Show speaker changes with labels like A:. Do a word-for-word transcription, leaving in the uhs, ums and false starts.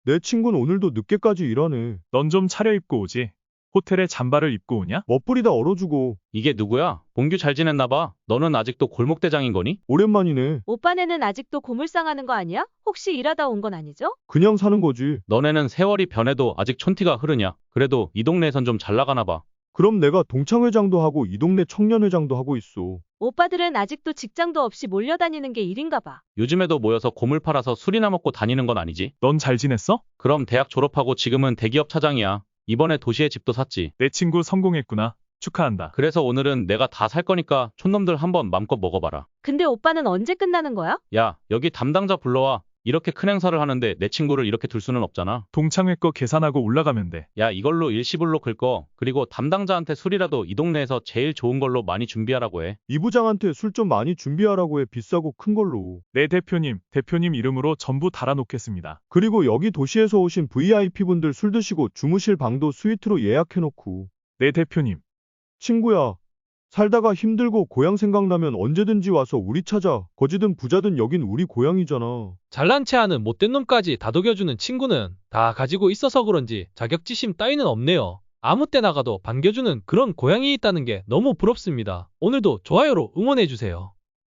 A: 내 친구는 오늘도 늦게까지 일하네.
B: 넌 좀 차려입고 오지. 호텔에 잠바를 입고 오냐?
A: 멋부리다 얼어주고.
C: 이게 누구야? 봉규 잘 지냈나 봐. 너는 아직도 골목대장인 거니?
A: 오랜만이네.
D: 오빠네는 아직도 고물상하는 거 아니야? 혹시 일하다 온 건 아니죠?
A: 그냥 사는 거지.
C: 너네는 세월이 변해도 아직 촌티가 흐르냐? 그래도 이 동네에선 좀 잘 나가나 봐.
A: 그럼 내가 동창회장도 하고 이 동네 청년회장도 하고 있어.
D: 오빠들은 아직도 직장도 없이 몰려다니는 게 일인가 봐.
C: 요즘에도 모여서 고물 팔아서 술이나 먹고 다니는 건 아니지?
B: 넌 잘 지냈어?
C: 그럼 대학 졸업하고 지금은 대기업 차장이야. 이번에 도시에 집도 샀지.
B: 내 친구 성공했구나. 축하한다.
C: 그래서 오늘은 내가 다 살 거니까 촌놈들 한번 맘껏 먹어봐라.
D: 근데 오빠는 언제 끝나는 거야?
C: 야, 여기 담당자 불러와. 이렇게 큰 행사를 하는데 내 친구를 이렇게 둘 수는 없잖아.
B: 동창회 거 계산하고 올라가면 돼.
C: 야, 이걸로 일시불로 긁거. 그리고 담당자한테 술이라도 이 동네에서 제일 좋은 걸로 많이 준비하라고 해.
A: 이 부장한테 술 좀 많이 준비하라고 해. 비싸고 큰 걸로.
B: 네 대표님, 대표님 이름으로 전부 달아놓겠습니다.
A: 그리고 여기 도시에서 오신 브이아이피분들 술 드시고 주무실 방도 스위트로 예약해놓고.
B: 네 대표님,
A: 친구야. 살다가 힘들고 고향 생각나면 언제든지 와서 우리 찾아. 거지든 부자든 여긴 우리 고향이잖아.
E: 잘난 체하는 못된 놈까지 다독여주는 친구는 다 가지고 있어서 그런지 자격지심 따위는 없네요. 아무 때 나가도 반겨주는 그런 고향이 있다는 게 너무 부럽습니다. 오늘도 좋아요로 응원해주세요.